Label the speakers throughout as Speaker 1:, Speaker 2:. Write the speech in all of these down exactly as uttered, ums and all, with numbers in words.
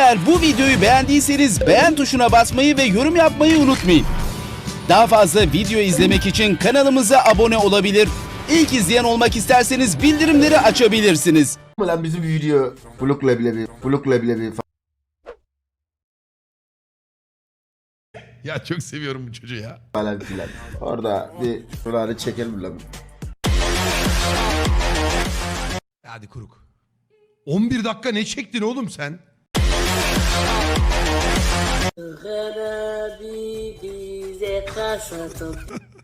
Speaker 1: Eğer bu videoyu beğendiyseniz beğen tuşuna basmayı ve yorum yapmayı unutmayın. Daha fazla video izlemek için kanalımıza abone olabilir. İlk izleyen olmak isterseniz bildirimleri açabilirsiniz.
Speaker 2: Lan bizim video Blok leblebi, Blok leblebi
Speaker 3: Ya çok seviyorum bu çocuğu ya.
Speaker 2: falan filan. Orada bir şuraları çekelim lan.
Speaker 3: Hadi kuruk. on bir dakika ne çektin oğlum sen?
Speaker 4: Garabi bize kasa top.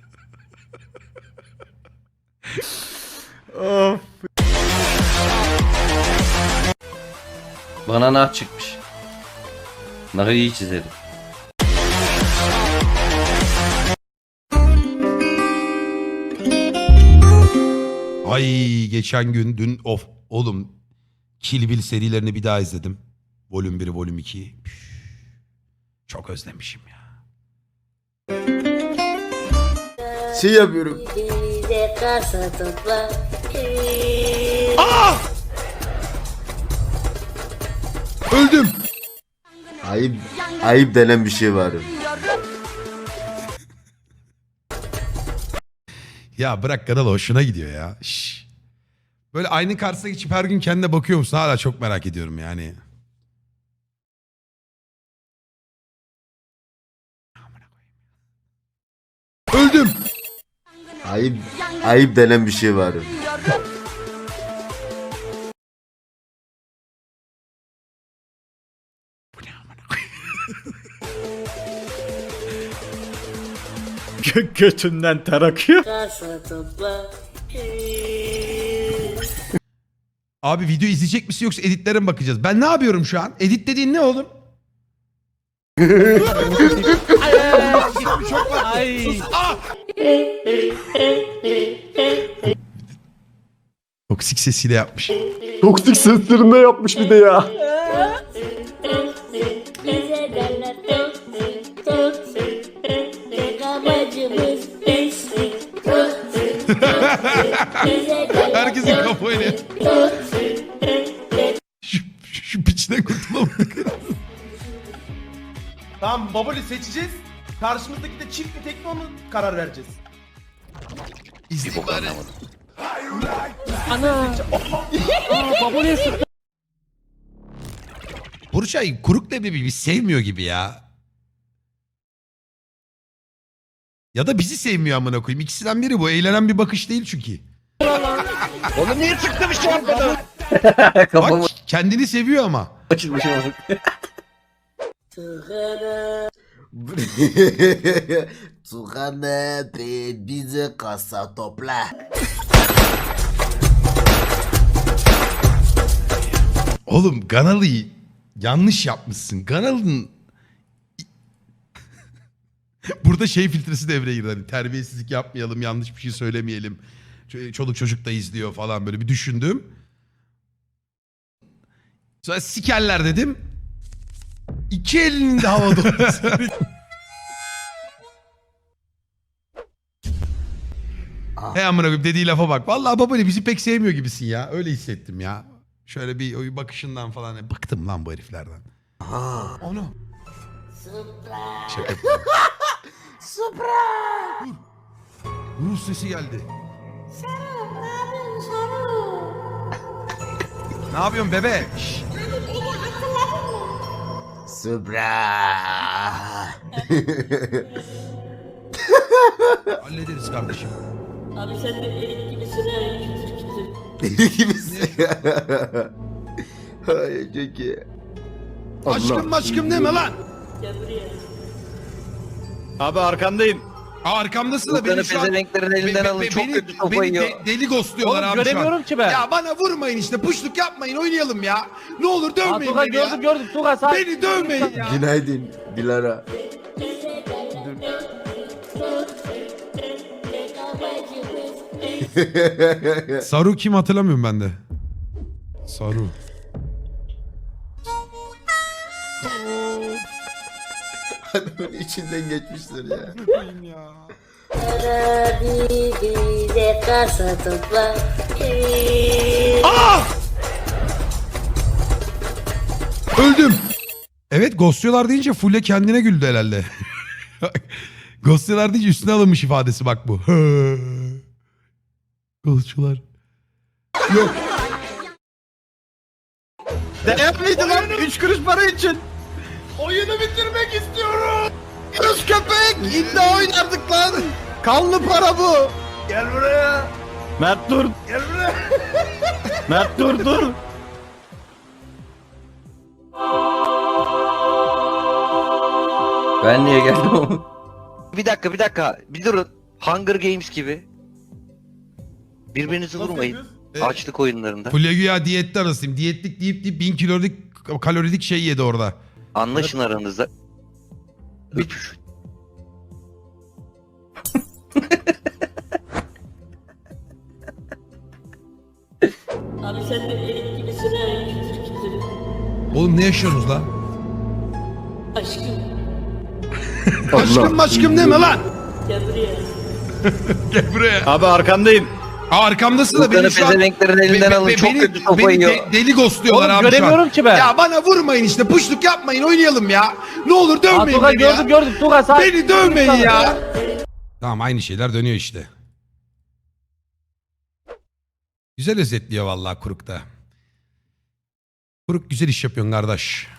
Speaker 5: Bana nah çıkmış. Nahı iyi çizerim.
Speaker 3: Ay geçen gün dün of oğlum Kill Bill serilerini bir daha izledim. Volüm bir, volüm iki. Çok özlemişim ya.
Speaker 2: Şey yapıyorum.
Speaker 4: Bize kasa topla.
Speaker 3: Aa! Öldüm.
Speaker 2: Ayıp, ayıp denen bir şey var.
Speaker 3: Ya bırak kanalı hoşuna gidiyor ya. Şş. Böyle aynı karşısına geçip her gün kendine bakıyor musun? Hala çok merak ediyorum yani. Öldüm.
Speaker 2: Ayıp, ayıp denen bir şey var.
Speaker 6: Gö götünden ter akıyor.
Speaker 4: Kasa topla.
Speaker 3: Abi video izleyecek misin yoksa editlere mi bakacağız? Ben ne yapıyorum şu an? Edit dediğin ne oğlum?
Speaker 6: Ay.
Speaker 3: Toksik sesiyle yapmış.
Speaker 7: Toksik seslerinde yapmış bir de ya.
Speaker 4: Bize derler toksik, toksik. Tek amacımız pislik, toksik, toksik. Bize derler
Speaker 3: Herkesin kafayla.
Speaker 4: toksik.
Speaker 3: Şu, şu, şu piçten kurtulamadık.
Speaker 8: Tamam Baboli seçeceğiz. Karşımızdaki de çift mi tek mi onu karar vereceğiz.
Speaker 3: İzleyin bari.
Speaker 6: Baboliye sıktı.
Speaker 3: Burçay kuruk leblebi bir sevmiyor gibi ya. Ya da bizi sevmiyor amına koyayım. İkisinden biri bu. Eğlenen bir bakış değil çünkü.
Speaker 5: Oğlum niye çıktı bir şey yapmadı?
Speaker 3: Bak
Speaker 5: Kafamı
Speaker 3: kendini seviyor ama.
Speaker 5: açılmışım artık.
Speaker 4: Sigara.
Speaker 2: Tukane be bize kasa topla.
Speaker 3: Oğlum Ganalı'yı yanlış yapmışsın. Ganalı'nın burada şey filtresi devreye girdi. Hani terbiyesizlik yapmayalım, yanlış bir şey söylemeyelim. Ç- Çoluk çocuk da izliyor falan böyle bir düşündüm. Sonra sikerler dedim. İki elinin de havada olması. Hey amına koyayım dediği lafa bak. Vallahi baba bizi pek sevmiyor gibisin ya. Öyle hissettim ya. Şöyle bir o bakışından falan. Bıktım lan bu heriflerden. Onu. Şaka yapıyorum. Dur. Rus sesi geldi. Ne yapıyorsun bebe? Şşş.
Speaker 2: Supra.
Speaker 3: Hallederiz kardeşim.
Speaker 4: Abi sen de erik gibisin ha. Kütür kütür.
Speaker 2: Deli gibisin. Ay çok iyi.
Speaker 3: Aşkım aşkım deme lan.
Speaker 4: Gel buraya.
Speaker 6: Abi arkandayım.
Speaker 3: Aa, arkamdasın da
Speaker 5: Bunları
Speaker 3: beni şu an...
Speaker 5: pezevenklerin elinden
Speaker 3: Be-
Speaker 5: alın.
Speaker 3: be-
Speaker 5: Çok
Speaker 3: beni-
Speaker 5: kötü sopa
Speaker 3: beni
Speaker 5: yiyor.
Speaker 3: de- deli ghostluyorlar
Speaker 6: Oğlum
Speaker 3: abi şu an.
Speaker 6: göremiyorum ki ben.
Speaker 3: Ya bana vurmayın işte. Puşluk yapmayın. Oynayalım ya. Ne olur dövmeyin
Speaker 6: Tugay
Speaker 3: beni ya.
Speaker 6: gördüm gördüm. Tugay sağ.
Speaker 3: Beni dövmeyin ya.
Speaker 2: Günaydın Dilara.
Speaker 4: Bize derler toksik, toksik. Tek amacımız
Speaker 3: Saru kim hatırlamıyorum ben de. Saru.
Speaker 2: Adamın içinden geçmişler ya.
Speaker 3: ya.
Speaker 4: Garabi bize kasa topla.
Speaker 3: Öldüm. Evet ghostluyorlar deyince Fulya kendine güldü herhalde. Ghostluyorlar deyince üstüne alınmış ifadesi bak bu. Ghostçular. Yok.
Speaker 6: Değer miydi lan? Üç kuruş para için.
Speaker 8: Oyunu bitirmek istiyorum.
Speaker 6: Kız köpek. İddia oynardık lan. Kanlı para bu.
Speaker 8: Gel buraya.
Speaker 6: Mert dur.
Speaker 8: Gel buraya.
Speaker 6: Mert dur dur.
Speaker 5: Ben niye geldim?
Speaker 9: Bir dakika bir dakika bir durun. Hunger Games gibi. Birbirinizi
Speaker 8: Nasıl
Speaker 9: vurmayın.
Speaker 8: yapıyoruz?
Speaker 9: Açlık oyunlarında.
Speaker 3: Fulya güya diyette arasıyım. Diyetlik deyip deyip bin kalorilik, kalorilik şey yedi orada.
Speaker 9: Anlaşın aranızda. Üç.
Speaker 4: Abi sen de erik gibisin ha kütür kütür.
Speaker 3: Oğlum ne yaşıyorsunuz lan?
Speaker 4: Aşkım
Speaker 3: Aşkım aşkım deme lan.
Speaker 4: gel buraya.
Speaker 3: Gel buraya.
Speaker 6: Abi arkandayım.
Speaker 3: Aa, arkamdasın da
Speaker 9: Bunları
Speaker 3: beni şu an...
Speaker 9: pezevenklerin elinden
Speaker 3: Be-
Speaker 9: alın.
Speaker 3: be-
Speaker 9: Çok
Speaker 3: beni,
Speaker 9: kötü sopa
Speaker 3: beni
Speaker 9: yiyor.
Speaker 3: de- deli ghostluyorlar
Speaker 6: Oğlum
Speaker 3: abi şu an.
Speaker 6: göremiyorum ki ben.
Speaker 3: Ya bana vurmayın işte puşluk yapmayın oynayalım ya. Ne olur
Speaker 6: Aa,
Speaker 3: dövmeyin
Speaker 6: Tugay
Speaker 3: beni ya.
Speaker 6: gördüm gördüm. Tugay sakin.
Speaker 3: Beni dövmeyin ya. Tamam aynı şeyler dönüyor işte. Güzel özetliyor vallahi Kuruk da. Kuruk güzel iş yapıyorsun kardeş.